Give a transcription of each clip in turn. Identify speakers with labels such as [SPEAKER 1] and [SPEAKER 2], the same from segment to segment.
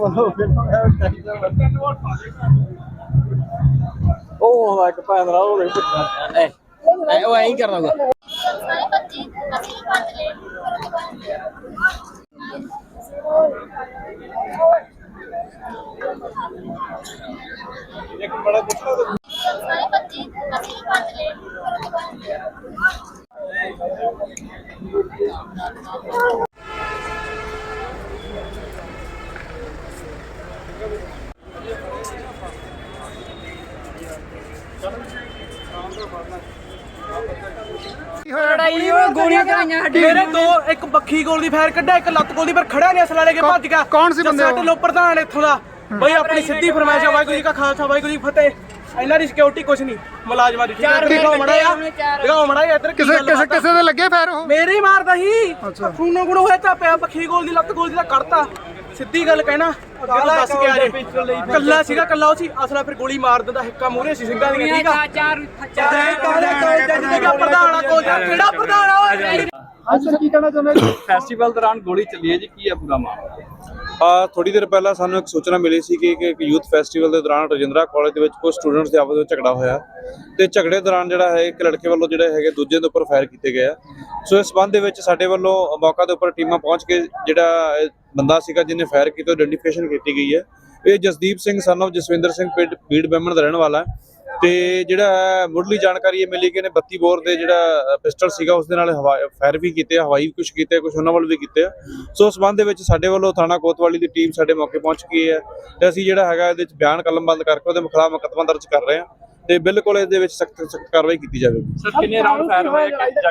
[SPEAKER 1] ਉਹ ਇੱਕ ਭੈਣ ਦਾ ਉਹ ਉਹ ਐਂ ਕਰਨਾ ਹੋਗਾ। ਇੱਕ ਬੜਾ ਪੁੱਛਣਾ
[SPEAKER 2] ਲੜਾਈ ਉਹ ਗੋਲੀਆਂ ਚਲਾਈਆਂ ਸਾਡੇ
[SPEAKER 3] ਮੇਰੇ ਦੋ ਇੱਕ ਬੱਖੀ ਗੋਲ ਦੀ ਫਾਇਰ ਕੱਢਿਆ ਇੱਕ ਲੱਤ ਗੋਲ ਦੀ ਪਰ ਖੜਾ ਨਹੀਂ ਅਸਲਾ ਲੈ ਕੇ ਭੱਜ ਗਿਆ।
[SPEAKER 4] ਕੌਣ ਸੀ ਬੰਦੇ ਉਹ?
[SPEAKER 3] ਲੋ ਪ੍ਰਧਾਨ ਇੱਥੋਂ ਦਾ ਬਈ ਆਪਣੀ ਸਿੱਧੀ ਫਰਮਾਇਸ਼ ਵਾਹਿਗੁਰੂ ਜੀ ਕਾ ਖਾਲਸਾ ਵਾਹਿਗੁਰੂ ਜੀ ਕੀ ਫਤਿਹ। ਇਹਨਾਂ ਦੀ ਸਿਕਿਉਰਿਟੀ ਕੁਛ ਨਹੀਂ ਮੁਲਾਜ਼ਮਾਂ ਦੀ। ਦਿਖਾਓ ਮੜਾ ਇੱਧਰ
[SPEAKER 4] ਕਿਸੇ ਦੇ ਲੱਗੇ ਫੈਰ ਉਹ
[SPEAKER 3] ਮੇਰੇ ਹੀ ਮਾਰਦਾ ਸੀ। ਖੂਨੋ ਗੁਣ ਹੋਇਆ ਤਾਂ ਪਿਆ ਬੱਖੀ ਗੋਲ ਦੀ ਲੱਤ ਗੋਲ ਦੀ ਦਾ ਕੱਢਤਾ। ਸਿੱਧੀ ਗੱਲ ਕਹਿਣਾ ਅੱਗੇ ਤਾਂ ਦੱਸ ਕੇ ਆ ਜੇ ਕੱਲਾ ਸੀਗਾ ਕੱਲਾ ਉਹ ਸੀ ਅਸਲਾ ਫਿਰ ਗੋਲੀ ਮਾਰ ਦਿੰਦਾ ਹਿੱਕਾ ਮੂਹਰੇ ਸੀ ਸਿੰਘਾਂ ਦੀਆਂ। ਠੀਕ ਆ ਚਾਰ ਪ੍ਰਧਾਨ ਆ ਕੋਲ ਕਿਹੜਾ ਪ੍ਰਧਾਨ ਆ ਓਏ।
[SPEAKER 4] ਅੱਛਾ ਕੀ ਕਹਿਣਾ ਚਾਹੁੰਦੇ ਜੀ?
[SPEAKER 1] ਫੈਸਟੀਵਲ ਦੌਰਾਨ ਗੋਲੀ ਚੱਲੀ ਹੈ ਜੀ, ਕੀ ਹੈ ਪੂਰਾ ਮਾਮਲਾ?
[SPEAKER 5] ਥੋੜੀ ਦੇਰ ਪਹਿਲਾਂ ਸਾਨੂੰ ਇੱਕ ਸੂਚਨਾ ਮਿਲੀ ਸੀ ਕਿ ਇੱਕ ਯੂਥ ਫੈਸਟੀਵਲ ਦੇ ਦੌਰਾਨ ਰਜਿੰਦਰਾ ਕਾਲਜ ਦੇ ਵਿੱਚ ਕੁਝ ਸਟੂਡੈਂਟਸ ਦੇ ਆਪਸ ਵਿੱਚ ਝਗੜਾ ਹੋਇਆ ਤੇ ਝਗੜੇ ਦੌਰਾਨ ਜਿਹੜਾ ਹੈ ਇੱਕ ਲੜਕੇ ਵੱਲੋਂ ਜਿਹੜੇ ਹੈਗੇ ਦੂਜੇ ਦੇ ਉੱਪਰ ਫਾਇਰ ਕੀਤੇ ਗਏ ਆ। ਸੋ ਇਸ ਸੰਬੰਧ ਦੇ ਵਿੱਚ ਸਾਡੇ ਵੱਲੋਂ ਮੌਕਾ ਦੇ ਉੱਪਰ ਟੀਮਾਂ ਪਹੁੰਚ ਕੇ ਜਿਹੜਾ ਬੰਦਾ ਸੀਗਾ ਜਿਹਨੇ ਫਾਇਰ ਕੀਤਾ ਆਇਡੈਂਟੀਫਿਕੇਸ਼ਨ ਕੀਤੀ ਗਈ ਹੈ। ਇਹ ਜਸਦੀਪ ਸਿੰਘ ਸਨ ਆਫ ਜਸਵਿੰਦਰ ਸਿੰਘ ਬੀੜ ਬੈਮਣ ਦਾ ਰਹਿਣ ਵਾਲਾ ਹੈ ਤੇ ਜਿਹੜਾ ਮੁੱਢਲੀ ਜਾਣਕਾਰੀ ਇਹ ਮਿਲੀ ਕਿ ਇਹਨੇ 32 ਬੋਰ ਦੇ ਜਿਹੜਾ ਪਿਸਟਲ ਸੀਗਾ ਉਸ ਦੇ ਨਾਲ ਫਾਇਰ ਵੀ ਕੀਤੇ ਆ, ਹਵਾਈ ਵੀ ਕੁਝ ਕੀਤੇ, ਕੁਝ ਉਹਨਾਂ ਵੱਲ ਵੀ ਕੀਤੇ ਆ। ਸੋ ਉਸ ਸੰਬੰਧ ਦੇ ਵਿੱਚ ਸਾਡੇ ਵੱਲੋਂ ਥਾਣਾ ਕੋਤਵਾਲੀ ਦੀ ਟੀਮ ਸਾਡੇ ਮੌਕੇ ਪਹੁੰਚ ਗਈ ਹੈ ਤੇ ਅਸੀਂ ਜਿਹੜਾ ਹੈਗਾ ਇਹਦੇ ਵਿੱਚ ਬਿਆਨ ਕਲਮਬੰਦ ਕਰਕੇ ਉਹਦੇ ਖਿਲਾਫ ਮੁਕੱਦਮਾ ਦਰਜ ਕਰ ਰਹੇ ਹਾਂ ਤੇ ਬਿਲਕੁਲ ਇਹਦੇ ਵਿੱਚ ਸਖਤ ਕਾਰਵਾਈ ਕੀਤੀ ਜਾਵੇਗੀ।
[SPEAKER 1] ਸਰ ਕਿੰਨੇ ਰਾਉਂਡ ਫਾਇਰ ਹੋਏ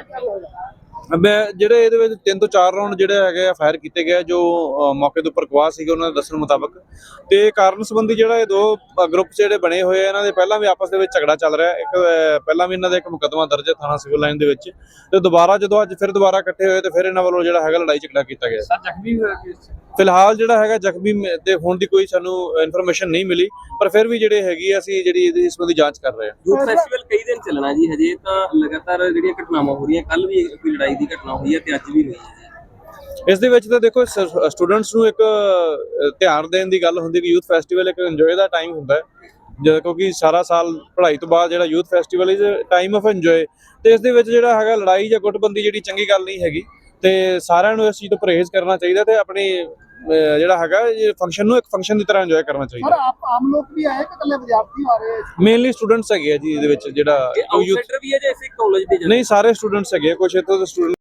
[SPEAKER 5] ਜਿਹੜੇ ਇਹਦੇ ਵਿੱਚ 3 ਤੋਂ 4 ਰਾਉਂਡ ਜਿਹੜੇ ਹੈਗੇ ਆ ਫਾਇਰ ਕੀਤੇ ਗਏ ਜੋ ਮੌਕੇ ਦੇ ਉੱਪਰ ਗਵਾਹ ਸੀਗੇ ਉਹਨਾਂ ਦੇ ਦੱਸਣ ਮੁਤਾਬਕ। ਤੇ ਕਾਰਨ ਸੰਬੰਧੀ ਜਿਹੜਾ ਇਹ ਦੋ ਗਰੁੱਪ ਜਿਹੜੇ ਬਣੇ ਹੋਏ ਆ ਇਹਨਾਂ ਦੇ ਪਹਿਲਾਂ ਵੀ ਆਪਸ ਦੇ ਵਿੱਚ ਝਗੜਾ ਚੱਲ ਰਿਹਾ। ਇੱਕ ਪਹਿਲਾਂ ਵੀ ਇਹਨਾਂ ਦਾ ਇੱਕ ਮੁਕੱਦਮਾ ਦਰਜ ਹੈ ਥਾਣਾ ਸਿਵਲ ਲਾਈਨ ਦੇ ਵਿੱਚ ਤੇ ਦੁਬਾਰਾ ਜਦੋਂ ਅੱਜ ਫਿਰ ਦੁਬਾਰਾ ਇਕੱਠੇ ਹੋਏ ਤੇ ਫਿਰ ਇਹਨਾਂ ਵੱਲੋਂ ਜਿਹੜਾ ਹੈਗਾ ਲੜਾਈ ਝਗੜਾ ਕੀਤਾ ਗਿਆ।
[SPEAKER 1] ਸਰ ਜ਼ਖਮੀ ਹੋਇਆ ਕਿਸ?
[SPEAKER 5] ਫਿਲਹਾਲ ਜਿਹੜਾ ਹੈਗਾ ਜ਼ਖਮੀ ਦੇ ਹੋਣ ਦੀ ਕੋਈ ਸਾਨੂੰ ਇਨਫੋਰਮੇਸ਼ਨ ਨਹੀਂ ਮਿਲੀ ਪਰ ਫਿਰ ਵੀ ਜਿਹੜੇ ਹੈਗੀ ਆ ਅਸੀਂ ਜਿਹੜੀ ਇਹਦੀ ਇਸ ਸੰਬੰਧੀ ਜਾਂਚ ਕਰ ਰਹੇ ਹਾਂ।
[SPEAKER 6] ਯੂਥ ਫੈਸਟੀਵਲ ਕਈ ਦਿਨ ਚੱਲਣਾ ਜੀ, ਹਜੇ ਤਾਂ ਲਗਾਤਾਰ ਜਿਹੜੀਆਂ ਘਟਨਾਵਾਂ ਹੋ ਰਹੀਆਂ, ਕੱਲ ਵੀ ਕੋਈ ਲੜਾਈ ਦੀ ਘਟਨਾ ਹੋਈ ਹੈ ਤੇ ਅੱਜ ਵੀ ਹੋਈ ਹੈ।
[SPEAKER 5] ਇਸ ਦੇ ਵਿੱਚ ਤਾਂ ਦੇਖੋ ਸਟੂਡੈਂਟਸ ਨੂੰ ਇੱਕ ਧਿਆਨ ਦੇਣ ਦੀ ਗੱਲ ਹੁੰਦੀ ਕਿ ਯੂਥ ਫੈਸਟੀਵਲ ਇੱਕ ਇੰਜੋਏ ਦਾ ਟਾਈਮ ਹੁੰਦਾ ਹੈ ਕਿਉਂਕਿ ਸਾਰਾ ਸਾਲ ਪੜ੍ਹਾਈ ਤੋਂ ਬਾਅਦ ਜਿਹੜਾ youth festival is time of enjoy ਤੇ ਇਸ ਦੇ ਵਿੱਚ ਜਿਹੜਾ ਹੈਗਾ ਲੜਾਈ ਜਾਂ ਗੁੱਟਬੰਦੀ ਜਿਹੜੀ ਚੰਗੀ ਗੱਲ ਨਹੀਂ ਹੈਗੀ ਤੇ ਸਾਰਿਆਂ ਨੂੰ ਇਸ ਚੀਜ਼ ਤੋਂ ਪਰਹੇਜ਼ ਕਰਨਾ ਚਾਹੀਦਾ ਤੇ ਆਪਣੀ ਜਿਹੜਾ ਹੈਗਾ ਇਹ ਫੰਕਸ਼ਨ ਨੂੰ ਇੱਕ ਫੰਕਸ਼ਨ ਦੀ ਤਰ੍ਹਾਂ ਇੰਜੋਏ ਕਰਨਾ ਚਾਹੀਦਾ।
[SPEAKER 4] ਆਮ ਲੋਕ ਵੀ ਆਏ ਕਿ ਇਕੱਲੇ ਵਿਦਿਆਰਥੀ ਆ ਰਹੇ?
[SPEAKER 5] ਮੇਨਲੀ ਸਟੂਡੈਂਟਸ ਹੈਗੇ ਆ ਜੀ ਇਹਦੇ ਵਿੱਚ ਜਿਹੜਾ
[SPEAKER 6] ਆਊਟਸਾਈਡਰ ਵੀ ਹੈ ਜਾਂ ਇਸੇ ਕਾਲਜ ਦੇ?
[SPEAKER 5] ਨਹੀਂ ਸਾਰੇ ਸਟੂਡੈਂਟਸ ਹੈਗੇ ਕੁਝ ਇੱਥੋਂ ਦੇ ਸਟੂਡੈਂਟ